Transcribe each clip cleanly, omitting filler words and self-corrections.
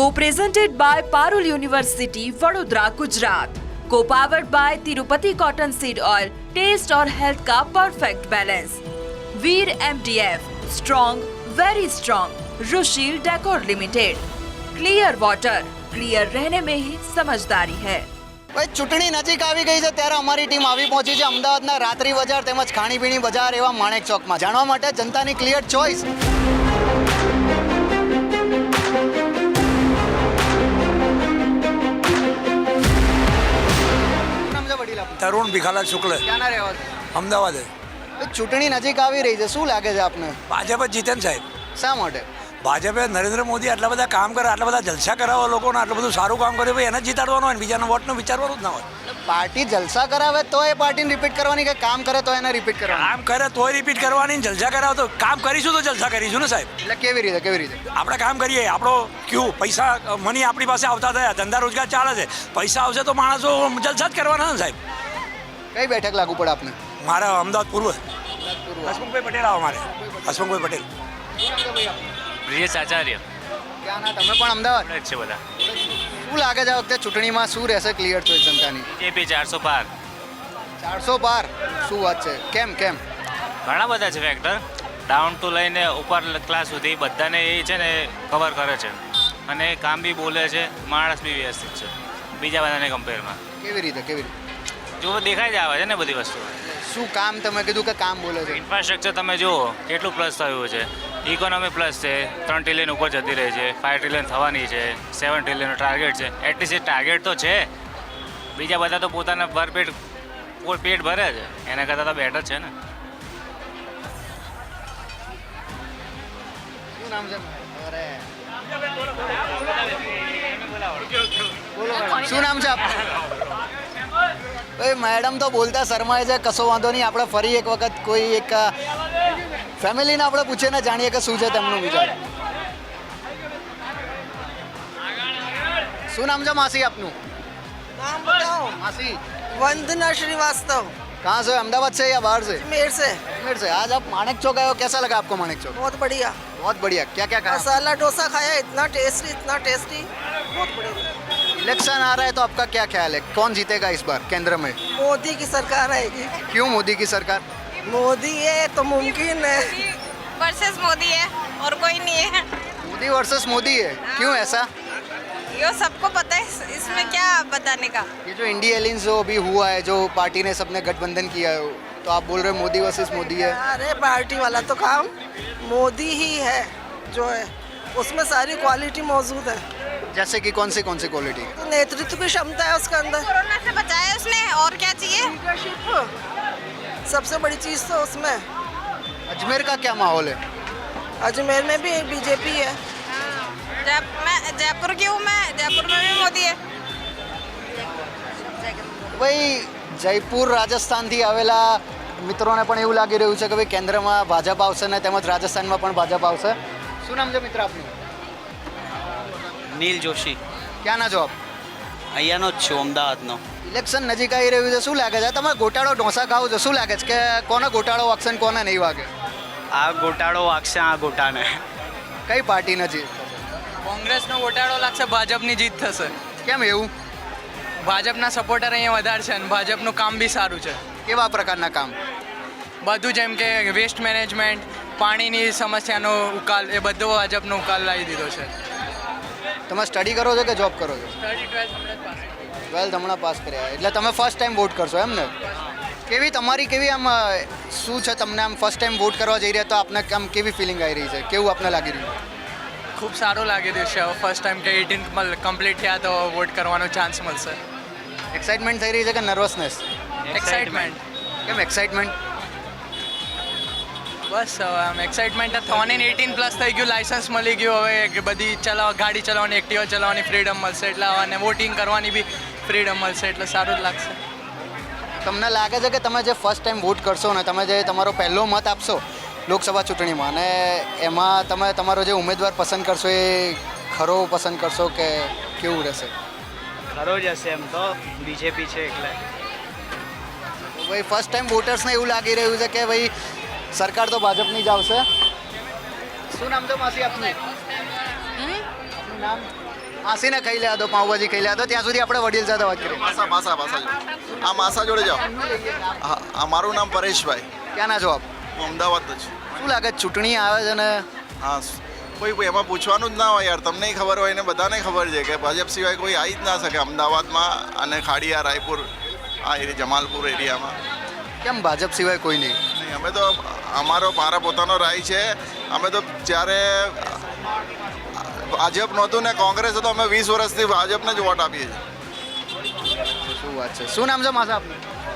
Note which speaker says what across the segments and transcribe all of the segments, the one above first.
Speaker 1: Co-presented by Parul University, Vadodara, Gujarat. Co-powered by Tirupati Cotton Seed Oil, taste और health का perfect balance. Veer MDF, strong, very strong. Rushil decor limited. Clear water, clear रहने में ही समझदारी है.
Speaker 2: ભાઈ ચૂંટણી નજીક આવી ગઈ છે ત્યારે અમારી ટીમ આવી પહોંચી છે અમદાવાદના રાત્રિ બજાર તેમજ ખાણીપીણી બજાર એવા માણેક ચોકમાં જાણવા માટે જનતાની ક્લિયર ચોઇસ.
Speaker 3: તરુણ ભીખાલાલ શુક્લ,
Speaker 2: ક્યાંના રહેવા છો?
Speaker 3: અમદાવાદ.
Speaker 2: ચૂંટણી નજીક આવી રહી છે, શું લાગે છે આપને?
Speaker 3: ભાજપ જ જીતે ને સાહેબ.
Speaker 2: શા માટે?
Speaker 3: ભાજપે નરેન્દ્ર મોદી આટલા બધા કામ કરે, આટલા બધા જલસા કરાવે લોકોને, આટલું બધું સારું કામ કરે, ભાઈ એને જ જીતાડવાનું હોય ને બીજાના વોટનું વિચારવાનું જ ના હોય.
Speaker 2: પાર્ટી જલસા કરાવે તો એ પાર્ટીને રિપીટ કરવાની કે કામ કરે તો એને રિપીટ કરવાની?
Speaker 3: કામ કરે તોય રિપીટ કરવાની, જલસા કરાવે તો કામ કરીશું તો જલસા કરીશું ને સાહેબ.
Speaker 2: એટલે કેવી રીતે?
Speaker 3: આપણે કામ કરીએ, આપણો ક્યુ પૈસા મની આપણી પાસે આવતા થયા, ધંધા રોજગાર ચાલે છે, પૈસા આવશે તો માણસો જલસા જ કરવાના ને સાહેબ.
Speaker 2: કઈ બેઠક લાગુ પડે આપને?
Speaker 3: મારા અમદાવાદ પૂર્વ હસમુખભાઈ પટેલ આવે મારે. હસમુખભાઈ પટેલ.
Speaker 4: બ્રિજેશ આચાર્ય.
Speaker 2: ક્યાંના? તમે પણ અમદાવાદ
Speaker 4: છે બધા.
Speaker 2: શું લાગે છે આ વખતે ચૂંટણીમાં શું રહેશે ક્લિયર ચોઇસ જનતાની?
Speaker 4: બીજેપી 400 પાર.
Speaker 2: 400 પાર? શું વાત છે? કેમ?
Speaker 4: ઘણા બધા છે ફેક્ટર, ડાઉન ટુ લઈને ઉપર ક્લાસ સુધી બધાને એ છે ને કવર કરે છે અને કામ બી બોલે છે, માણસ બી વ્યવસ્થિત છે બીજા બધાને કમ્પેરમાં.
Speaker 2: કેવી રીતે?
Speaker 4: જો દેખાઈ જ આવે છે ને બધી વસ્તુ.
Speaker 2: શું કામ? તમે કીધું કે કામ બોલે છે.
Speaker 4: ઇન્ફ્રાસ્ટ્રક્ચર તમે જુઓ કેટલું પ્લસ થયું છે, ઇકોનોમી પ્લસ છે, 3 ટ્રિલિયન ઉપર જતી રહી છે, 5 ટ્રિલિયન થવાની છે, 7 ટ્રિલિયનનો ટાર્ગેટ છે. એટલીસ્ટ એ ટાર્ગેટ તો છે. બીજા બધા તો પોતાના પેટ ભરે છે, એના કરતાં તો બેટર છે ને.
Speaker 2: શું નામ છે? શું નામ છે આપનું? ભાઈ મેડમ તો બોલતા શરમાય છે, કશો વાંધો નહીં. આપણે ફરી એક વખત કોઈ એક ફેમિલીને આપણે પૂછીને જાણીએ કે શું છે તેમનું વિચાર. શું નામ છે માસી આપનું?
Speaker 5: नाम बताओ.
Speaker 2: मासी
Speaker 5: वंदना श्रीवास्तव.
Speaker 2: कहाँ से? अहमदाबाद से या बाहर से?
Speaker 5: मेर से.
Speaker 2: अजमेर से. आज आप माणेक चौक आए हो, कैसा लगा आपको माणेक चौक?
Speaker 5: बहुत बढ़िया.
Speaker 2: बहुत बढ़िया. क्या क्या कहा?
Speaker 5: मसाला डोसा खाया, इतना टेस्टी. बहुत बढ़िया.
Speaker 2: इलेक्शन आ रहा है तो आपका क्या ख्याल है, कौन जीतेगा इस बार केंद्र में?
Speaker 5: मोदी की सरकार आएगी.
Speaker 2: क्यों मोदी की सरकार?
Speaker 5: मोदी है तो मुमकिन है.
Speaker 6: वर्सेस मोदी है और कोई नहीं है.
Speaker 2: मोदी वर्सेस मोदी है. क्यों ऐसा?
Speaker 6: ये सबको पता है, इसमें क्या बताने का.
Speaker 2: ये जो इंडिया एलियंस जो अभी हुआ है, जो पार्टी ने सबने गठबंधन किया है, तो आप बोल रहे हो मोदी वर्सेस मोदी है.
Speaker 5: अरे पार्टी वाला तो काम मोदी ही है जो है, उसमें सारी क्वालिटी मौजूद है.
Speaker 2: जैसे कि कौन सी क्वालिटी?
Speaker 5: तो नेतृत्व की क्षमता है उसके अंदर.
Speaker 6: कोरोना से बचाया उसने, और क्या चाहिए.
Speaker 5: लीडरशिप सबसे बड़ी चीज़ तो उसमें.
Speaker 2: अजमेर का क्या माहौल है?
Speaker 5: अजमेर में भी बीजेपी है.
Speaker 6: मैं जयपुर की हूँ, मैं जयपुर में भी मोदी है.
Speaker 2: ભાઈ જયપુર રાજસ્થાનથી આવેલા મિત્રોને પણ એવું લાગી રહ્યું છે કે ભાઈ કેન્દ્રમાં ભાજપ આવશે ને તેમજ રાજસ્થાનમાં પણ ભાજપ આવશે. શું નામ છે મિત્ર આપનું?
Speaker 7: નીલ જોશી.
Speaker 2: ક્યાંના છો આપ?
Speaker 7: અહીંયાનો જ છું, અમદાવાદનો.
Speaker 2: ઇલેક્શન નજીક આવી રહ્યું છે, શું લાગે છે? તમે ગોટાળો ઢોસા ખાઓ છો, શું લાગે છે કે કોને ગોટાળો વાગશે ને કોને નહીં વાગે?
Speaker 7: આ ગોટાળો વાગશે આ ગોટાને.
Speaker 2: કઈ પાર્ટીને જીત?
Speaker 8: કોંગ્રેસનો ગોટાળો લાગશે, ભાજપની જીત થશે.
Speaker 2: કેમ એવું?
Speaker 8: ભાજપના સપોર્ટર અહીંયા વધારે છે અને ભાજપનું કામ બી સારું છે.
Speaker 2: કેવા પ્રકારના કામ?
Speaker 8: બધું જેમ કે વેસ્ટ મેનેજમેન્ટ, પાણીની સમસ્યાનો ઉકાલ, એ બધો ભાજપનો ઉકાલ લાવી દીધો છે.
Speaker 2: તમે સ્ટડી કરો છો કે જોબ કરો છો?
Speaker 8: સ્ટડી
Speaker 2: 12th હમણાં પાસ કર્યા, એટલે તમે ફર્સ્ટ ટાઈમ વોટ કરશો એમ ને? કેવી તમારી કેવી આમ શું છે, તમને આમ ફર્સ્ટ ટાઈમ વોટ કરવા જઈ રહ્યા તો આપને આમ કેવી ફિલિંગ આવી રહી છે, કેવું આપને લાગી રહ્યું?
Speaker 8: ખૂબ સારું લાગી રહ્યું છે. ફર્સ્ટ ટાઈમ કે 18 કમ્પ્લીટ થયા તો વોટ કરવાનો ચાન્સ મળશે.
Speaker 2: એક્સાઇટમેન્ટ થઈ રહી છે કે નર્વસનેસ?
Speaker 8: એક્સાઇટમેન્ટ.
Speaker 2: કેમ એક્સાઇટમેન્ટ?
Speaker 8: બસ આમ એક્સાઇટમેન્ટ જ થવાની ને. 18+ થઈ ગયું, લાઇસન્સ મળી ગયું, હવે બધી ગાડી ચલાવવાની, એક્ટિવા ચલાવવાની ફ્રીડમ મળશે, એટલે અને વોટિંગ કરવાની બી ફ્રીડમ મળશે, એટલે સારું જ લાગશે.
Speaker 2: તમને લાગે છે કે તમે જે ફર્સ્ટ ટાઈમ વોટ કરશો ને, તમે જે તમારો પહેલો મત આપશો લોકસભા ચૂંટણીમાં, અને એમાં તમે તમારો જે ઉમેદવાર પસંદ કરશો એ ખરો પસંદ કરશો કે કેવું રહેશે?
Speaker 7: ખરો જ હશે એમ તો, બીજેપી છે એટલે.
Speaker 2: ભાઈ ફર્સ્ટ ટાઈમ વોટર્સને એવું લાગી રહ્યું છે કે ભાઈ સરકાર તો ભાજપની જ આવશે. શું નામ છે માસી આપનું? આપનું નામ? માસીને ખાઈ લેવા દો, પાઉંભાજી ખાઈ લેવા દો, ત્યાં સુધી આપણે વડીલ સાથે વાત કરીએ.
Speaker 9: માસા જોડે આ માસા જોડે જાઓ. હા, મારું નામ પરેશભાઈ.
Speaker 2: ક્યાં ના છો આપ?
Speaker 9: હું અમદાવાદ જ છું.
Speaker 2: શું લાગે ચૂંટણી આવે છે ને
Speaker 9: હા, કોઈ એમાં પૂછવાનું જ ના હોય યાર. તમને ખબર હોય ને બધાને ખબર છે કે ભાજપ સિવાય કોઈ આવી જ ના શકે અમદાવાદમાં અને ખાડિયા રાયપુર આ એરિયા જમાલપુર એરિયામાં.
Speaker 2: કેમ ભાજપ સિવાય કોઈ નહીં?
Speaker 9: નહીં, અમે તો મારા પોતાનો રાય છે. અમે તો જ્યારે ભાજપ નહોતું ને કોંગ્રેસ હતો, અમે 20 વર્ષથી ભાજપને જ વોટ આપીએ છીએ.
Speaker 2: શું વાત છે? શું નામ છે માસા આપનું?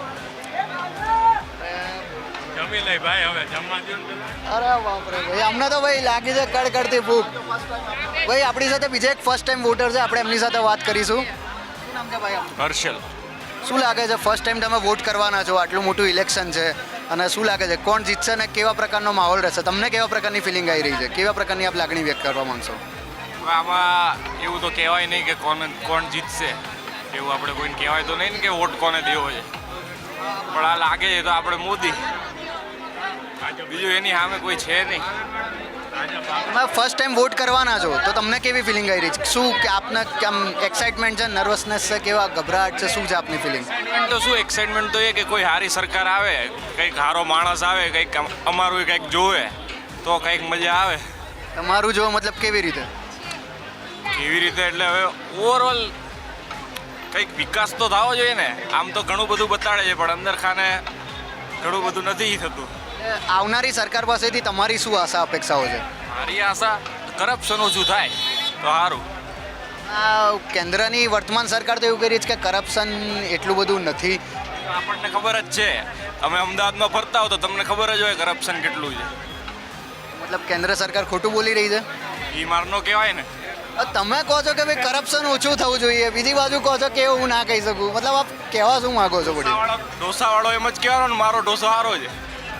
Speaker 2: અરે બાપરે ભાઈ, અમને તો ભાઈ લાગી છે કડકડતી ભૂખ. ભાઈ આપણી સાથે બીજા એક ફર્સ્ટ ટાઈમ વોટર છે, આપણે એમની સાથે વાત કરીશું. શું નામ છે ભાઈ આપનું?
Speaker 3: હર્ષલ.
Speaker 2: શું લાગે છે ફર્સ્ટ ટાઈમ તમે વોટ કરવાના છો, આટલું મોટું ઇલેક્શન છે, અને શું લાગે છે કોણ જીતશે ને કેવા પ્રકારનો માહોલ રહેશે? તમને કેવા પ્રકારની ફિલિંગ આવી રહી છે? કેવા પ્રકારની આપ લાગણી વ્યક્ત કરવા માંગશો?
Speaker 4: આમાં એવું તો કહેવાય નહીં કે કોણ જીતશે, એવું આપણે કોઈને કહેવાય તો નહીં ને કે વોટ કોને દેવો છે. પણ આ લાગે છે તો આપણે મોદી, બીજું એની સામે કોઈ છે નહીં.
Speaker 2: તમે ફર્સ્ટ ટાઈમ વોટ કરવાના છો તો તમને કેવી ફિલિંગ આવી રહી છે? શું કે આપને કેમ એક્સાઇટમેન્ટ છે, નર્વસનેસ છે, કેવા ગભરાટ છે, શું છે આપની ફિલિંગ?
Speaker 4: એક્સાઇટમેન્ટ તો શું, એક્સાઇટમેન્ટ તો એ કે કોઈ સારી સરકાર આવે, કંઈક સારો માણસ આવે, કંઈક અમારું કંઈક જોવે તો કંઈક મજા આવે.
Speaker 2: તમારું જો મતલબ કેવી રીતે?
Speaker 4: કેવી રીતે એટલે હવે ઓવરઓલ કંઈક વિકાસ તો થવો જોઈએ ને. આમ તો ઘણું બધું બતાડે છે પણ અંદર ખાને ઘણું બધું નથી થતું.
Speaker 2: આવનારી સરકાર પાસેથી તમારી શું આશા અપેક્ષાઓ છે?
Speaker 4: મારી આશા કરપ્શન ઓછું થાય તો સારું.
Speaker 2: આ કેન્દ્રની વર્તમાન સરકાર તો એવું કરી છે કે કરપ્શન એટલું બધું નથી.
Speaker 4: આપણને ખબર જ છે, તમે અમદાવાદમાં ફરતા હો તો તમને ખબર જ હોય કરપ્શન કેટલું છે.
Speaker 2: મતલબ કેન્દ્ર સરકાર ખોટું બોલી રહી છે?
Speaker 4: એ મારનો કહેવાય ને.
Speaker 2: તમે કહો છો કે ભાઈ કરપ્શન ઓછું થવું જોઈએ, બીજી બાજુ કહો છો કે એવું હું ના કહી શકું. મતલબ આપ કહેવા શું માગો છો? બધી
Speaker 4: ઢોસાવાળો એમ જ કહેવાનો ને મારો ઢોસો સારો છે.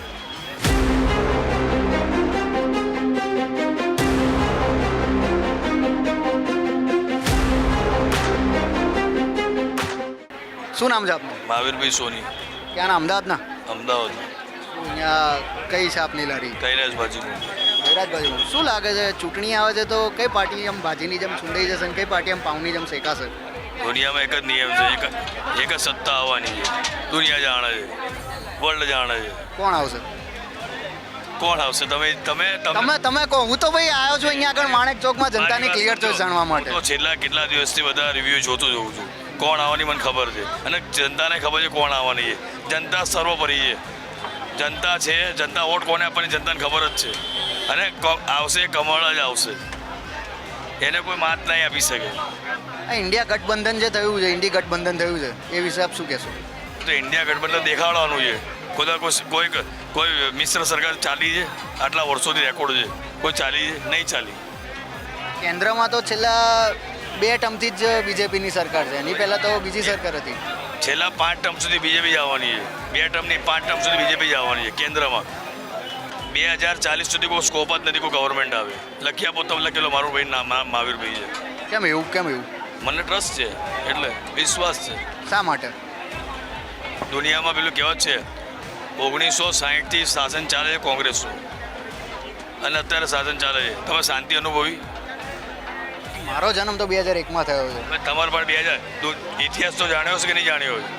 Speaker 2: શું નામ છે આપનું?
Speaker 10: મહાવીરભાઈ સોની.
Speaker 2: ક્યાંના? અમદાવાદના?
Speaker 10: અમદાવાદ.
Speaker 2: અહીંયા કઈ છે આપની લારી?
Speaker 10: કૈલાસ બાજુનું.
Speaker 2: કૈલાસ બાજુ. શું લાગે છે ચૂંટણી આવે છે તો કઈ પાર્ટી આમ ભાજીની જેમ છુંડાઈ જશે ને કઈ પાર્ટી આમ પાઉની જેમ શેકાશે?
Speaker 10: દુનિયામાં એક જ નિયમ છે, એક જ સત્તા આવવાની છે. દુનિયા જાણે છે, વર્લ્ડ જાણે છે.
Speaker 2: કોણ આવશે?
Speaker 10: કોણ આવશે?
Speaker 2: તમે કહો. હું તો ભાઈ આવ્યો છું અહીંયા આગળ માણેક ચોકમાં જનતાની ક્લિયર ચોઇસ જાણવા માટે.
Speaker 10: તો છેલ્લા કેટલા દિવસથી બધા રિવ્યૂ જોતું જોઉં છું. કોણ આવવાની મને ખબર છે અને જનતાને ખબર છે કોણ આવવાની છે. જનતા સર્વોપરી છે. જનતા છે, જનતા વોટ કોને આપવાની જનતાને ખબર જ છે. અને આવશે કમળ જ આવશે, એને કોઈ માત નહીં આપી શકે.
Speaker 2: આ ઇન્ડિયા ગઠબંધન જે થયું છે, ઇન્ડી ગઠબંધન થયું છે, એ વિશે આપ શું કહેશો?
Speaker 10: તો ઇન્ડિયા ગઠબંધન દેખાડવાનું છે. કોઈ મિશ્ર સરકાર ચાલી છે આટલા વર્ષોથી રેકોર્ડ છે, કોઈ ચાલી છે? નહીં ચાલી.
Speaker 2: કેન્દ્રમાં તો છેલ્લા 2 ટર્મથી જ બીજેપીની સરકાર છે, એની પહેલાં તો બીજી સરકાર હતી.
Speaker 10: છેલ્લા 5 ટર્મ સુધી બીજેપી જ આવવાની છે. 2 ટર્મની 5 ટર્મ સુધી બીજેપી જ આવવાની છે કેન્દ્રમાં. 2040 સુધી કોઈ સ્કોપ જ નથી કોઈ ગવર્મેન્ટ આવે. લખી આપો તમે લખેલો મારું ભાઈ નામ મહાવીરભાઈ છે.
Speaker 2: કેમ એવું? કેમ એવું?
Speaker 10: મને ટ્રસ્ટ છે એટલે વિશ્વાસ છે.
Speaker 2: શા માટે?
Speaker 10: દુનિયામાં પેલું કહેવત છે 1960થી શાસન ચાલે છે કોંગ્રેસનું અને અત્યારે શાસન ચાલે છે. તમે શાંતિ અનુભવી?
Speaker 2: મારો જન્મ તો 2001માં થયો છે.
Speaker 10: તમારે પણ 2000 ઇતિહાસ તો જાણ્યો છે કે નહીં જાણ્યો હોય?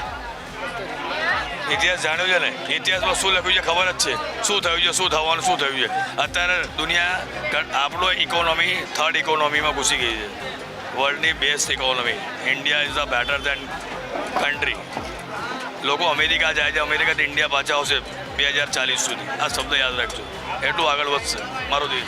Speaker 10: ઇતિહાસ જાણ્યો છે ને? ઇતિહાસમાં શું લખ્યું છે ખબર જ છે. શું થયું છે, શું થવાનું, શું થયું છે. અત્યારે દુનિયા આપણો ઇકોનોમી 3rd ઇકોનોમીમાં ઘૂસી ગઈ છે. વર્લ્ડની best economy. India is a better than country. લોકો અમેરિકા જાય છે, અમેરિકાથી ઇન્ડિયા પાછા આવશે 2040 સુધી. આ શબ્દ યાદ રાખજો, એટલું આગળ વધશે મારો દેશ.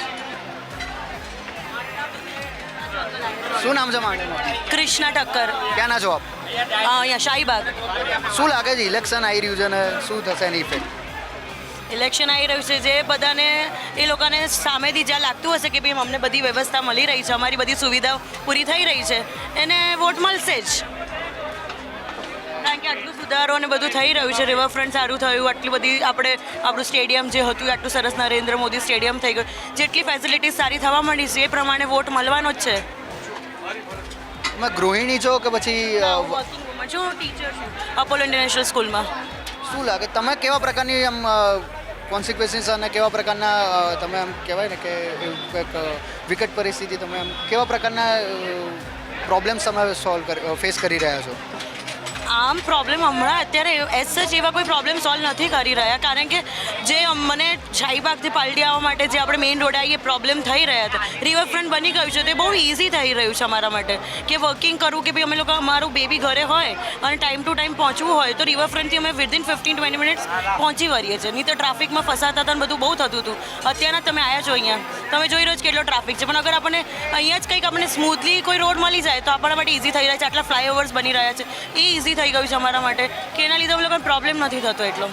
Speaker 2: શું નામ છે માંડેનું?
Speaker 11: કૃષ્ણા ઠક્કર.
Speaker 2: ક્યાંના છો આપ?
Speaker 11: અહીંયા શાહીબાગ.
Speaker 2: શું લાગે છે ઇલેક્શન આવી રહ્યું છે ને શું થશે એની ઇફેક્ટ?
Speaker 11: ઇલેક્શન આવી રહ્યું છે, જે બધાને એ લોકોને સામેથી જ્યાં લાગતું હશે કે ભાઈ અમને બધી વ્યવસ્થા મળી રહી છે, અમારી બધી સુવિધાઓ પૂરી થઈ રહી છે, એને વોટ મળશે જ. કારણ કે આટલું સુધારો અને બધું થઈ રહ્યું છે, રિવરફ્રન્ટ સારું થયું, આટલી બધી આપણું સ્ટેડિયમ જે હતું આટલું સરસ નરેન્દ્ર મોદી સ્ટેડિયમ થઈ ગયું, જેટલી ફેસિલિટીઝ સારી થવા માંડી છે એ પ્રમાણે વોટ મળવાનો જ છે.
Speaker 2: તમે ગૃહિણી છો કે પછી
Speaker 11: વર્કિંગ વુમન છું, ટીચર છું અપોલો ઇન્ટરનેશનલ સ્કૂલમાં.
Speaker 2: શું લાગે તમે કેવા પ્રકારની આમ કોન્સિક્વન્સીસ અને કેવા પ્રકારના તમે એમ કહેવાય ને કે એવું કંઈક વિકટ પરિસ્થિતિ તમે એમ કેવા પ્રકારના પ્રોબ્લેમ્સ તમે ફેસ કરી રહ્યા છો?
Speaker 11: આમ પ્રોબ્લેમ હમણાં અત્યારે એઝ સચ એવા કોઈ પ્રોબ્લેમ સોલ્વ નથી કરી રહ્યા, કારણ કે જે મને શાહીબાગથી પાલડી આવવા માટે જે આપણે મેઇન રોડ આવીએ પ્રોબ્લેમ થઈ રહ્યા હતા, રિવરફ્રન્ટ બની ગયું છે, તે બહુ ઇઝી થઈ રહ્યું છે અમારા માટે કે વર્કિંગ કરવું કે ભાઈ અમે લોકો અમારું બેબી ઘરે હોય અને ટાઈમ ટુ ટાઈમ પહોંચવું હોય તો રિવરફ્રન્ટથી અમે વિધિન 15-20 મિનિટ્સ પહોંચી વળીએ છીએ. નહીં તો ટ્રાફિકમાં ફસાતા હતા અને બધું બહુ થતું હતું. અત્યારના તમે આવ્યા છો અહીંયા, તમે જોઈ રહ્યો છો કેટલો ટ્રાફિક છે, પણ અગર આપણને અહીંયા જ કંઈક આપણને સ્મૂથલી કોઈ રોડ મળી જાય તો આપણા માટે ઇઝી થઈ રહ્યા છે. આટલા ફ્લાયઓવર્સ બની રહ્યા છે, એ ઇઝી થઈ ગયું છે અમારા માટે કે એના લીધે અમે લોકોને પ્રોબ્લેમ નથી થતો એટલો.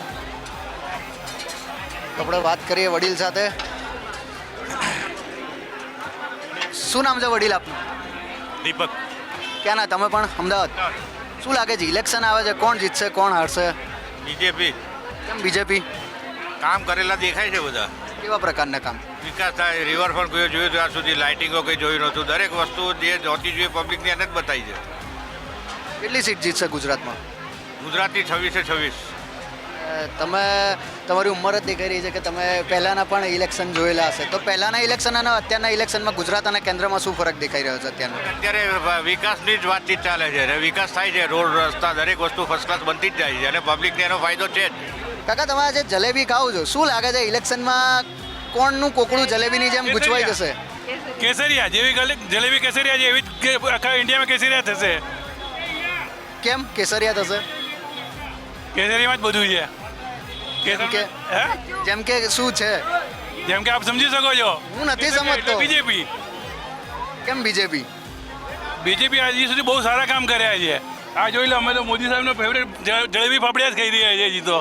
Speaker 2: આપણે વાત કરીએ વડીલ સાથે. શું નામ છે વડીલ આપનું?
Speaker 12: દીપક.
Speaker 2: ક્યાંના તમે પણ? અમદાવાદ. શું લાગે છે ઇલેક્શન આવે છે, કોણ જીતશે કોણ હારશે?
Speaker 12: બીજેપી.
Speaker 2: કેમ બીજેપી?
Speaker 12: કામ કરેલા દેખાય છે બધા.
Speaker 2: કેવા પ્રકારના કામ?
Speaker 12: વિકાસ થાય, રિવરફ્રન્ટ કોઈ જોયું ત્યાં સુધી, લાઇટિંગો કંઈ જોયું નહોતું. દરેક વસ્તુ જે જોતી જોઈએ પબ્લિકને એને જ બતાવી છે.
Speaker 2: કેટલી સીટ જીતશે ગુજરાતમાં?
Speaker 12: ગુજરાતની 26-26.
Speaker 2: તમે તમારી ઉંમર જ દેખાઈ રહી છે કે તમે પહેલાંના પણ ઇલેક્શન જોયેલા હશે, તો પહેલાંના ઇલેક્શન અને અત્યારના ઇલેક્શનમાં ગુજરાત અને કેન્દ્રમાં શું ફરક દેખાઈ રહ્યો છે અત્યારનો?
Speaker 12: અત્યારે વિકાસની જ વાતચીત ચાલે છે અને વિકાસ થાય છે, રોડ રસ્તા દરેક વસ્તુ ફર્સ્ટ ક્લાસ બનતી જ જાય છે અને પબ્લિકને એનો ફાયદો છે જ.
Speaker 2: કાકા તમે આજે જલેબી ખાઓ છો, શું લાગે છે ઇલેક્શનમાં કોણનું કોકડું જલેબીની જેમ ગૂંચવાઈ જશે?
Speaker 3: કેસરિયા જેવી જલેબી કેસરિયા છે એવી જ આખા ઇન્ડિયામાં કેસરિયા થશે.
Speaker 2: કેમ કેસરિયા થશે?
Speaker 3: કેસરીમાં જ બધું છે.
Speaker 2: જેમ કે શું છે?
Speaker 3: જેમ કે આપ સમજી શકો છો.
Speaker 2: હું નથી સમજતો.
Speaker 3: બીજેપી.
Speaker 2: કેમ બીજેપી?
Speaker 3: બીજેપી હજી સુધી બહુ સારા કામ કર્યા છે. આ જોઈ લો, અમે તો મોદી સાહેબનો ફેવરેટ જલેબી ફાફડિયા જ ખાઈ રહ્યા છીએ હજી તો.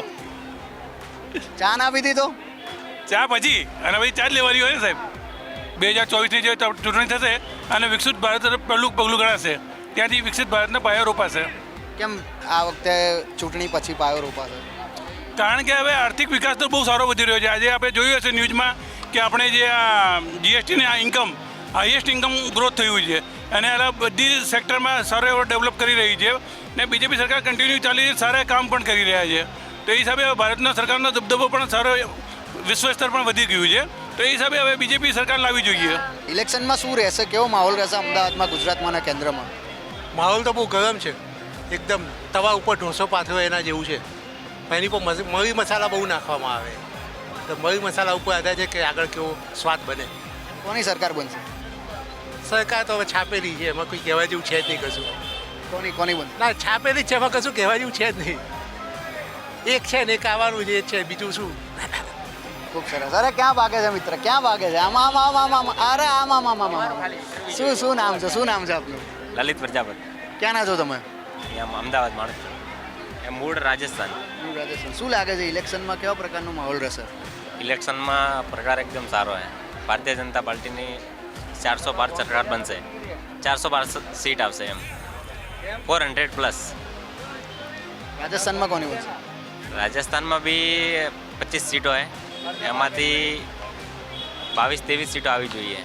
Speaker 2: ચા ના પીધી તો?
Speaker 3: ચા પછી અને પછી ચા જ લેવાની હોય ને સાહેબ. 2024ની જે ચૂંટણી થશે અને વિકસિત ભારત તરફ પહેલું પગલું ગણાશે, ત્યાંથી વિકસિત ભારતના પાયો રોપાશે.
Speaker 2: કેમ આ વખતે ચૂંટણી પછી પાયો રોપાશે?
Speaker 3: કારણ કે હવે આર્થિક વિકાસ તો બહુ સારો વધી રહ્યો છે. આજે આપણે જોયું હશે ન્યૂઝમાં કે આપણે જે આ જીએસટીની આ ઇન્કમ, હાઈએસ્ટ ઇન્કમ ગ્રોથ થયું છે અને આ બધી સેક્ટરમાં સારો એવો ડેવલપ કરી રહી છે ને બીજેપી સરકાર કન્ટિન્યુ ચાલી સારા કામ પણ કરી રહ્યા છે. તો એ હિસાબે ભારતના સરકારનો દબદબો પણ સારો વિશ્વ સ્તર પણ વધી ગયું છે. તો એ હિસાબે હવે બીજેપી સરકાર લાવવી જોઈએ.
Speaker 2: ઇલેક્શનમાં શું રહેશે, કેવો માહોલ રહેશે અમદાવાદમાં, ગુજરાતમાં અને કેન્દ્રમાં?
Speaker 13: માહોલ તો બહુ ગરમ છે, એકદમ તવા ઉપર ઢોસો પાથરો એના જેવું છે. એની પર મરી મસાલા બહુ નાખવામાં આવે, તો મરી મસાલા ઉપર આધાર છે કે આગળ કેવો સ્વાદ બને.
Speaker 2: કોની સરકાર બનશે?
Speaker 13: સરકાર તો હવે છાપેલી છે, એમાં કોઈ કહેવા જેવું છે જ નહીં કશું.
Speaker 2: કોની બનશે?
Speaker 13: ના, છાપેલી જ છે, એમાં કશું કહેવા જેવું છે જ નહીં. એક છે ને એક આવવાનું જે છે, બીજું શું.
Speaker 2: ખૂબ સરસ. અરે ક્યાં ભાગે છે મિત્ર, ક્યાં ભાગે છે? આમ અરે આમ. શું નામ છે, શું નામ છે આપનું?
Speaker 4: લલિત પ્રજાપતિ.
Speaker 2: ક્યાંના છો તમે?
Speaker 4: અહીંયા અમદાવાદ માણસ છું. એમ મૂળ રાજસ્થાન.
Speaker 2: શું લાગે છે ઇલેક્શનમાં કેવા પ્રકારનો માહોલ રહેશે?
Speaker 4: ઇલેક્શનમાં પ્રકાર એકદમ સારો છે. ભારતીય જનતા પાર્ટીની 400 પાર સરકાર બનશે, 400 પાર સીટ આવશે એમ, 400+.
Speaker 2: રાજસ્થાનમાં કોની બનશે?
Speaker 4: રાજસ્થાનમાં બી 25 સીટો છે, એમાંથી 22-23 સીટો આવી જોઈએ.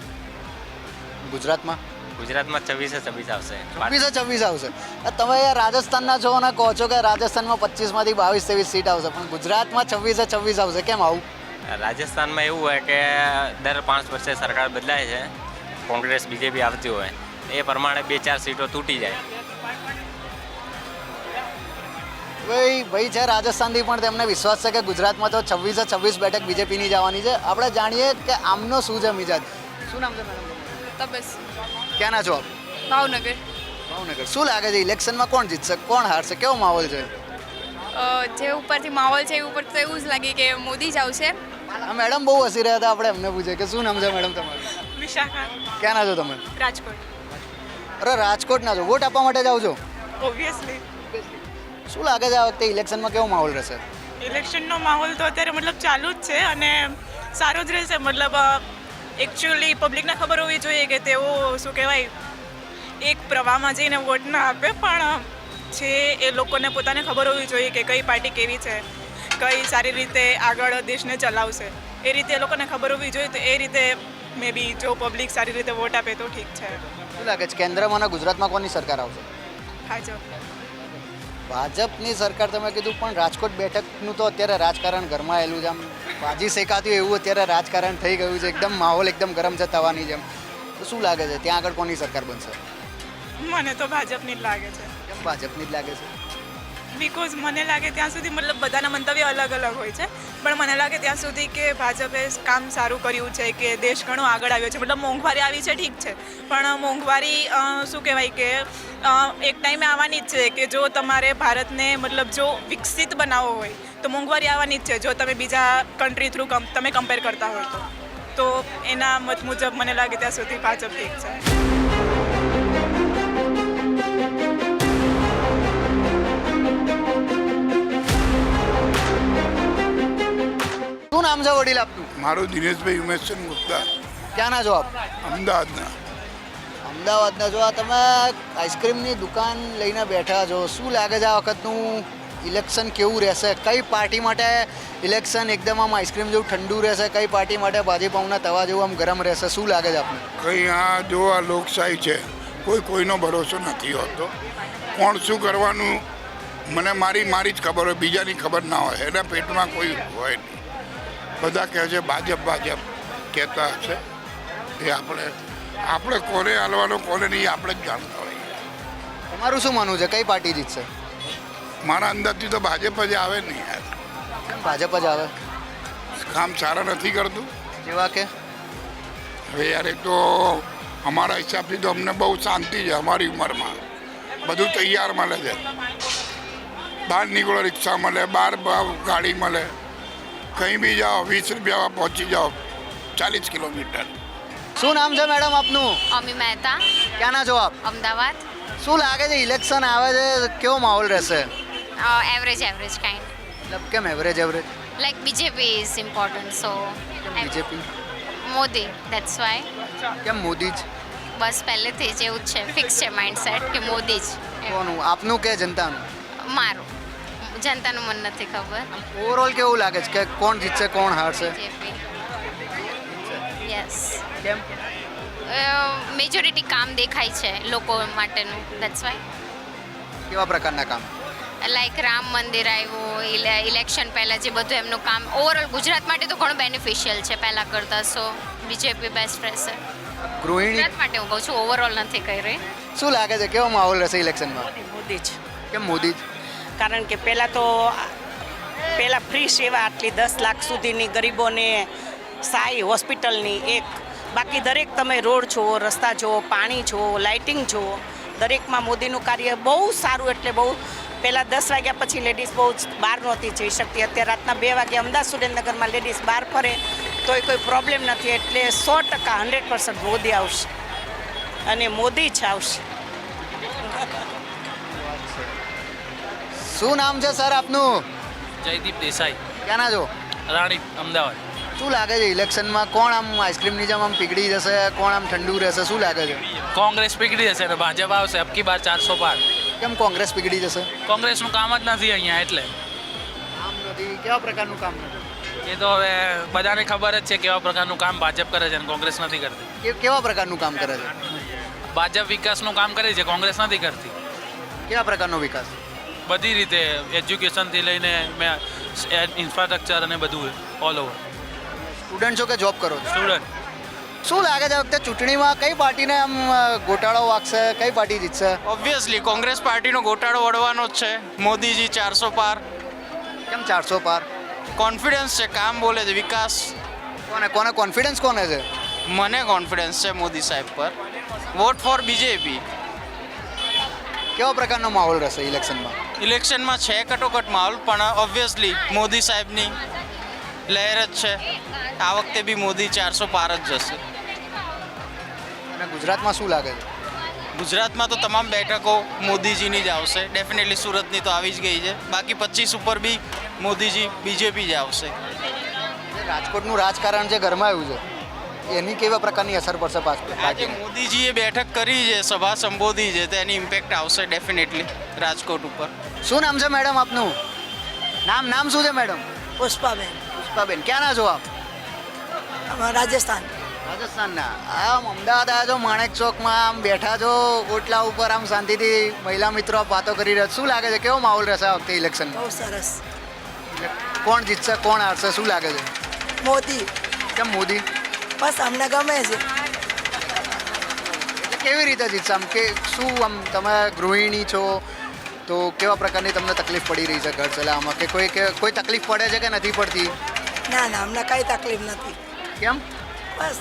Speaker 2: ગુજરાતમાં?
Speaker 4: ગુજરાતમાં 26 આવશે.
Speaker 2: 26 આવશે. તમે યાર રાજસ્થાનના છો અને કહો છો કે રાજસ્થાનમાં 25માંથી 22-23 સીટ આવશે, પણ ગુજરાતમાં 26 આવશે, કેમ આવું?
Speaker 4: રાજસ્થાનમાં એવું હોય કે દર 5 વર્ષે સરકાર બદલાય છે, કોંગ્રેસ બીજેપી આવતી હોય એ પ્રમાણે 2-4 સીટો તૂટી જાય.
Speaker 2: ભાઈ છે રાજસ્થાનથી પણ તેમને વિશ્વાસ છે કે ગુજરાતમાં તો 26 બેઠક બીજેપીની જવાની છે. આપણે જાણીએ કે આમનો શું છે મિજાજ. શું નામ છે મેડમ?
Speaker 6: तबस
Speaker 2: ક્યાંના છો આપ?
Speaker 6: भावनगर.
Speaker 2: ભાવનગર. શું લાગે છે ઇલેક્શનમાં કોણ જીતશે, કોણ હારશે, કેવો માહોલ છે?
Speaker 6: જે ઉપરથી માહોલ છે એ ઉપર તો એવું જ લાગે કે મોદી જ આવશે.
Speaker 2: મેડમ બહુ હસી રહ્યા હતા, આપણે એમને પૂછે કે શું નામ છે મેડમ તમારું?
Speaker 6: વિશાખા.
Speaker 2: ક્યાંના છો તમે?
Speaker 6: રાજકોટ.
Speaker 2: અરે રાજકોટના છો, વોટ આપવા માટે જાઓ છો?
Speaker 6: ઓબ્વિયસલી.
Speaker 2: શું લાગે છે આ વખતે ઇલેક્શનમાં કેવો માહોલ રહેશે?
Speaker 6: ઇલેક્શનનો માહોલ તો અત્યારે મતલબ ચાલુ જ છે અને સારો જ રહેશે. મતલબ એકચ્યુઅલી પબ્લિકને ખબર હોવી જોઈએ કે તેઓ શું કહેવાય એક પ્રવાહમાં જઈને વોટ ના આપે, પણ છે એ લોકોને પોતાને ખબર હોવી જોઈએ કે કઈ પાર્ટી કેવી છે, કઈ સારી રીતે આગળ દેશને ચલાવશે. એ રીતે એ લોકોને ખબર હોવી જોઈએ. તો એ રીતે મે બી જો પબ્લિક સારી રીતે વોટ આપે તો ઠીક છે.
Speaker 2: શું લાગે છે કેન્દ્રમાં અને ગુજરાતમાં કોની સરકાર આવશે?
Speaker 6: ભાજપ.
Speaker 2: ભાજપની સરકાર તમે કીધું, પણ રાજકોટ બેઠકનું તો અત્યારે રાજકારણ ગરમાયેલું છે. આમ ભાજી શેકાતું એવું અત્યારે રાજકારણ થઈ ગયું છે, એકદમ માહોલ એકદમ ગરમ છે તવાની જેમ. તો શું લાગે છે ત્યાં આગળ કોની સરકાર બનશે?
Speaker 6: મને તો ભાજપની જ લાગે છે.
Speaker 2: કેમ ભાજપની જ લાગે છે?
Speaker 6: બિકોઝ મને લાગે ત્યાં સુધી મતલબ બધાના મંતવ્ય અલગ અલગ હોય છે, પણ મને લાગે ત્યાં સુધી કે ભાજપે કામ સારું કર્યું છે, કે દેશ ઘણો આગળ આવ્યો છે. મતલબ મોંઘવારી આવી છે ઠીક છે, પણ મોંઘવારી શું કહેવાય કે એક ટાઈમે આવવાની જ છે, કે જો તમારે ભારતને મતલબ જો વિકસિત બનાવવો હોય તો મોંઘવારી આવવાની જ છે, જો તમે બીજા કન્ટ્રી થ્રુ તમે કમ્પેર કરતા હોય તો એના મત મુજબ મને લાગે ત્યાં સુધી ભાજપ ઠીક છે.
Speaker 2: શું નામ છે વડીલ આપનું?
Speaker 14: મારું દિનેશભાઈ ઉમેશચંદ ગુપ્તા.
Speaker 2: ક્યાંના છો આપ?
Speaker 14: અમદાવાદના.
Speaker 2: અમદાવાદના છો. આ તમે આઈસ્ક્રીમની દુકાન લઈને બેઠા છો, શું લાગે છે આ વખતનું ઇલેક્શન કેવું રહેશે? કઈ પાર્ટી માટે ઇલેક્શન એકદમ આમ આઈસ્ક્રીમ જેવું ઠંડુ રહેશે, કઈ પાર્ટી માટે ભાજીપાઉના તવા જેવું આમ ગરમ રહેશે? શું લાગે છે આપને?
Speaker 14: કંઈ આ જો આ લોકશાહી છે, કોઈનો ભરોસો નથી હોતો. કોણ શું કરવાનું મને મારી જ ખબર હોય, બીજાની ખબર ના હોય. એના પેટમાં કોઈ હોય નહીં. બધા કહે છે ભાજપ કહેતા હશે. એ આપણે કોને હાલવાનો કોને નહીં આપણે જ જાણતા હોઈએ.
Speaker 2: તમારું શું માનવું છે, કઈ પાર્ટી જીતશે?
Speaker 14: મારા અંદાજથી તો ભાજપ જ આવે નહીં યાર.
Speaker 2: ભાજપ જ આવે?
Speaker 14: કામ સારા નથી કરતું.
Speaker 2: જેવા કે
Speaker 14: હવે યાર એક તો અમારા હિસાબથી તો અમને બહુ શાંતિ છે. અમારી ઉંમરમાં બધું તૈયાર મળે છે. બહાર નીકળો રિક્ષા મળે, બહાર ગાડી મળે, કંઈ બી જાઓ 20 રૂપિયામાં પહોંચી જાઓ 40 કિલોમીટર.
Speaker 2: શું નામ છે મેડમ આપનું?
Speaker 15: અમી મહેતા.
Speaker 2: ક્યાંના છો આપ?
Speaker 15: અમદાવાદ.
Speaker 2: શું લાગે છે ઇલેક્શન આવે છે, કેવો માહોલ રહેશે?
Speaker 15: Average kind.
Speaker 2: મતલબ કેમ average?
Speaker 15: Like BJP is important, so
Speaker 2: BJP.
Speaker 15: Modi, that's why.
Speaker 2: કેમ મોદી જ?
Speaker 15: બસ પહેલેથી જ એવું જ છે, ફિક્સ છે માઇન્ડસેટ કે મોદી જ.
Speaker 2: કોનું, આપનું કે જનતાનું?
Speaker 15: મારું. જનતાનું મન નથી ખબર.
Speaker 2: ઓવરઓલ કેવું લાગે છે કે કોણ જીતશે કોણ હારશે?
Speaker 15: બીજેપી. યસ.
Speaker 2: કેમ?
Speaker 15: મેજોરિટી કામ દેખાય છે લોકો માટેનું, ધેટ્સ વાય.
Speaker 2: કેવા પ્રકારના કામ?
Speaker 15: લાઈક રામ મંદિર આવ્યું, ઇલેક્શન પહેલાં જે બધું એમનું કામ ઓવરઓલ ગુજરાત માટે તો ઘણું બેનિફિશિયલ છે પહેલાં કરતાં. સો બીજેપી બેસ્ટ રહેશે
Speaker 2: ગૃહિણી
Speaker 15: ગુજરાત માટે. હું કહું છું, ઓવરઓલ નથી કહી રહી.
Speaker 2: શું લાગે છે કેવો માહોલ રહેશે ઇલેક્શનમાં?
Speaker 5: મોદી જ.
Speaker 2: કેમ મોદી જ?
Speaker 5: કારણ કે પહેલાં ફ્રી સેવા આટલી 10 લાખ સુધીની ગરીબોને સાઈ હોસ્પિટલની એક, બાકી દરેક તમે રોડ જુઓ, રસ્તા જુઓ, પાણી જુઓ, લાઇટિંગ જુઓ, દરેકમાં મોદીનું કાર્ય બહુ સારું. એટલે બહુ પહેલાં 10 વાગ્યા પછી લેડીઝ બહુ બહાર નહોતી જઈ શકતી. અત્યારે રાતના 2 વાગે અમદાવાદ સુરેન્દ્રનગરમાં લેડીઝ બહાર ફરે તોય કોઈ પ્રોબ્લેમ નથી. એટલે 100% 100% મોદી આવશે અને મોદી જ આવશે.
Speaker 2: શું નામ છે સર આપનું?
Speaker 16: જયદીપ દેસાઈ.
Speaker 2: ક્યાંના છો?
Speaker 16: રાણી, અમદાવાદ.
Speaker 2: શું લાગે છે ઇલેક્શનમાં કોણ આમ આઈસ્ક્રીમની જેમ આમ પીગળી જશે, કોણ આમ ઠંડુ રહેશે? શું લાગે છે?
Speaker 16: કોંગ્રેસ પીગળી જશે ને ભાજપ આવશે. અબકી બાર 400 પાર.
Speaker 2: કેમ કોંગ્રેસ પીગળી જશે?
Speaker 16: કોંગ્રેસનું કામ જ નથી અહીંયા, એટલે.
Speaker 2: કામ નથી? કેવા પ્રકારનું કામ નથી?
Speaker 16: એ તો હવે બધાને ખબર જ છે કેવા પ્રકારનું કામ ભાજપ કરે છે અને કોંગ્રેસ નથી કરતી.
Speaker 2: કેવા પ્રકારનું કામ કરે છે?
Speaker 16: ભાજપ વિકાસનું કામ કરે છે, કોંગ્રેસ નથી કરતી.
Speaker 2: કેવા પ્રકારનો વિકાસ?
Speaker 16: બધી રીતે, એજ્યુકેશનથી લઈને ઇન્ફ્રાસ્ટ્રક્ચર અને બધું ઓલ ઓવર.
Speaker 2: સ્ટુડન્ટ છો કે જોબ કરો છો?
Speaker 16: સ્ટુડન્ટ.
Speaker 2: શું લાગે છે વખતે ચૂંટણીમાં કઈ પાર્ટીને આમ ગોટાળો વાગશે, કઈ પાર્ટી જીતશે?
Speaker 8: ઓબ્વિયસલી કોંગ્રેસ પાર્ટીનો ગોટાળો વળવાનો જ છે. મોદીજી 400 પાર.
Speaker 2: કેમ 400 પાર?
Speaker 8: કોન્ફિડન્સ છે, કામ બોલે છે, વિકાસ.
Speaker 2: કોને કોન્ફિડન્સ કોને છે?
Speaker 8: મને કોન્ફિડન્સ છે મોદી સાહેબ પર. Vote for BJP.
Speaker 2: કેવા પ્રકારનો માહોલ રહેશે ઇલેક્શનમાં?
Speaker 8: ઇલેક્શનમાં છે કટોકટ માહોલ, પણ ઓબ્વિયસલી મોદી સાહેબની લહેર જ છે. આ વખતે બી મોદી 400 પાર જ જશે.
Speaker 2: અને ગુજરાતમાં શું લાગે છે?
Speaker 8: ગુજરાતમાં તો તમામ બેઠકો મોદીજીની જ આવશે. ડેફિનેટલી સુરતની તો આવી જ ગઈ છે. બાકી 25 ઉપર બી મોદીજી બીજેપી જ આવશે.
Speaker 2: રાજકોટનું રાજકારણ જે ગરમાયું છે એની કેવા પ્રકારની અસર પડશે
Speaker 8: આજે મોદીજીએ બેઠક કરી છે, સભા સંબોધી છે, તો એની ઇમ્પેક્ટ આવશે ડેફિનેટલી રાજકોટ ઉપર.
Speaker 2: શું નામ છે મેડમ આપનું? નામ શું છે મેડમ?
Speaker 5: પુષ્પાબેન.
Speaker 2: પુષ્પાબેન, ક્યાંના છો આપ?
Speaker 5: રાજસ્થાન.
Speaker 2: રાજસ્થાનના. આમ અમદાવાદ આવ્યા છો, માણેક ચોકમાં આમ બેઠા છો ઓટલા ઉપર, આમ શાંતિથી મહિલા મિત્રો વાતો કરી રહ્યા. શું લાગે છે કેવો માહોલ રહેશે આ વખતે ઇલેક્શન?
Speaker 5: બહુ સરસ.
Speaker 2: કોણ જીતશે કોણ હારશે શું લાગે છે?
Speaker 17: મોદી.
Speaker 2: કેમ મોદી?
Speaker 17: બસ અમને ગમે છે.
Speaker 2: કેવી રીતે જીતશે આમ કે શું આમ તમે ગૃહિણી છો તો કેવા પ્રકારની તમને તકલીફ પડી રહી છે ઘર ચલાવવામાં કે કોઈ તકલીફ પડે છે કે નથી પડતી?
Speaker 17: ના ના અમને કઈ તકલીફ નથી.
Speaker 2: કેમ?
Speaker 17: बस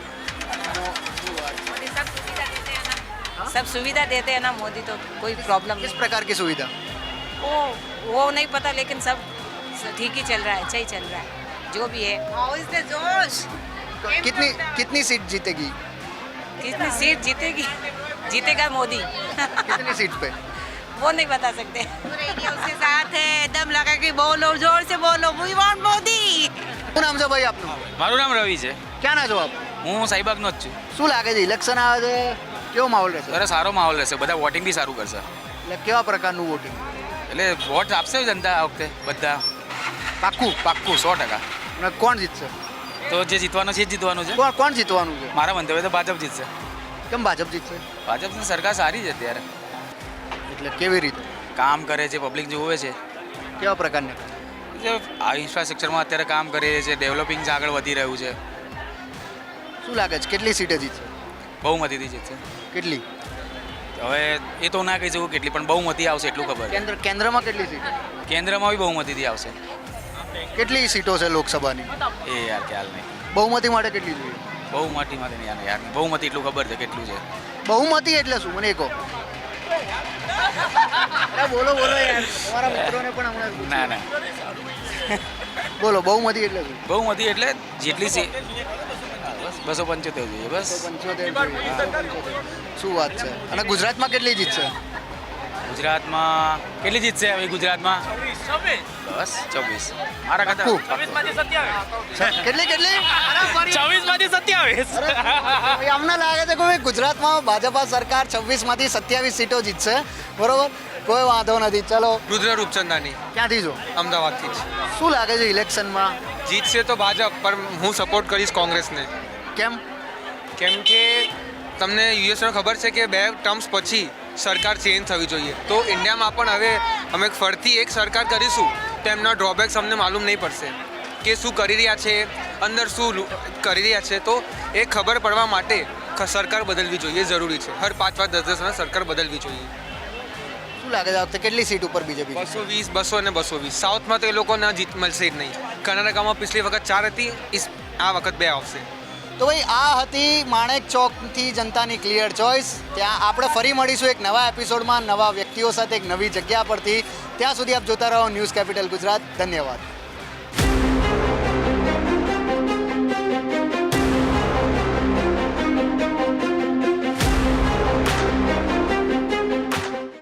Speaker 18: सब सुविधा देते हैं ना मोदी तो कोई प्रॉब्लम
Speaker 2: किस प्रकार की सुविधा?
Speaker 18: वो नहीं पता लेकिन सब ठीक ही चल रहा है, सही चल रहा है जो भी है. जोश
Speaker 2: कितनी सीट जीतेगी?
Speaker 18: कितनी सीट जीतेगी? जीतेगा मोदी.
Speaker 2: कितनी सीट पे?
Speaker 18: वो नहीं बता सकते.
Speaker 11: उसके साथ है एकदम लगा कि बोलो जोर से बोलो वी वांट मोदी.
Speaker 2: શું નામ છે ભાઈ આપનું?
Speaker 16: મારું નામ રવિ છે.
Speaker 2: ક્યાં ના છો આપ?
Speaker 16: હું સાઈબાગનો જ છું.
Speaker 2: શું લાગે છે ઇલેક્શન આવે છે કેવો માહોલ રહેશે?
Speaker 16: અરે સારો માહોલ રહેશે, બધા વોટિંગ બી સારું કરશે.
Speaker 2: એટલે કેવા પ્રકારનું વોટિંગ?
Speaker 16: એટલે વોટ આપશે જનતા આ વખતે બધા.
Speaker 2: પાક્કું
Speaker 16: 100%.
Speaker 2: અને કોણ જીતશે?
Speaker 16: તો જે જીતવાનું છે એ જ જીતવાનું છે.
Speaker 2: કોણ જીતવાનું છે?
Speaker 16: મારા મંતવ્ય તો ભાજપ જીતશે.
Speaker 2: કેમ ભાજપ જીતશે?
Speaker 16: ભાજપની સરકાર સારી છે અત્યારે.
Speaker 2: એટલે કેવી રીતે
Speaker 16: કામ કરે છે, પબ્લિક જોવે છે.
Speaker 2: કેવા પ્રકારની?
Speaker 16: જે આ ઇન્ફ્રાસ્ટ્રક્ચરમાં અત્યારે કામ કરી રહી છે, ડેવલપિંગ આગળ વધી રહ્યું છે.
Speaker 2: શું લાગે છે કેટલી સીટે જીતશે?
Speaker 16: બહુમતીથી જીતશે.
Speaker 2: કેટલી?
Speaker 16: હવે એ તો ના કહી શકું કેટલી, પણ બહુમતી આવશે એટલું ખબર છે.
Speaker 2: કેન્દ્રમાં કેટલી સીટ?
Speaker 16: કેન્દ્રમાં બી બહુમતીથી આવશે.
Speaker 2: કેટલી સીટો છે લોકસભાની?
Speaker 16: એ યાર ખ્યાલ નહીં.
Speaker 2: બહુમતી માટે કેટલી જોઈએ?
Speaker 16: બહુમતી માટે નહીં યાર બહુમતી એટલું ખબર છે કેટલું છે.
Speaker 2: બહુમતી એટલે શું મને કહો? બોલો યાર તમારા મિત્રોને પણ હમણાં
Speaker 16: ના
Speaker 2: બોલો બહુમતી એટલે શું?
Speaker 16: બહુમતી એટલે જેટલી છે 275 જોઈએ બસ.
Speaker 2: 275 શું વાત છે? અને ગુજરાતમાં કેટલી જીતશે?
Speaker 16: ગુજરાતમાં કેટલી જીતશે હવે ગુજરાતમાં? બસ 24. મારા કરતા
Speaker 2: 24 કેટલી
Speaker 16: 24
Speaker 2: અમને લાગે છે કે ગુજરાતમાં ભાજપા સરકાર 26માંથી 27 સીટો જીતશે. બરોબર, કોઈ વાંધો નથી. ચલો.
Speaker 8: રુદ્ર રૂપચંદાની.
Speaker 2: ક્યાંથી છો?
Speaker 8: અમદાવાદથી જ.
Speaker 2: શું લાગે છે ઇલેક્શનમાં
Speaker 8: જીતશે તો ભાજપ, પણ હું સપોર્ટ કરીશ કોંગ્રેસને.
Speaker 2: કેમ?
Speaker 8: કેમ કે તમને યુએસમાં ખબર છે કે 2 ટર્મ્સ પછી સરકાર ચેન્જ થવી જોઈએ, તો ઇન્ડિયામાં પણ હવે અમે ફરતી એક સરકાર કરીશું તો એમના ડ્રોબેક્સ અમને માલુમ નહીં પડશે કે શું કરી રહ્યા છે, અંદર શું કરી રહ્યા છે. તો એ ખબર પડવા માટે સરકાર બદલવી જોઈએ, જરૂરી છે. હર 5-5 10 સરકાર બદલવી જોઈએ.
Speaker 2: શું લાગે છે આ વખતે કેટલી સીટ ઉપર બીજેપી?
Speaker 8: 220, 200 અને 220. સાઉથમાં તો એ લોકોને જીત મળશે જ નહીં. કર્ણાટકામાં પિછલી વખત 4 હતી, આ વખત 2 આવશે.
Speaker 2: તો ભાઈ આ હતી માણેક ચોકથી જનતાની ક્લિયર ચોઇસ. ત્યાં આપણે ફરી મળીશું એક નવા એપિસોડમાં નવા વ્યક્તિઓ સાથે એક નવી જગ્યા પરથી. ત્યાં સુધી આપ જોતા રહો ન્યૂઝ કેપિટલ ગુજરાત. ધન્યવાદ.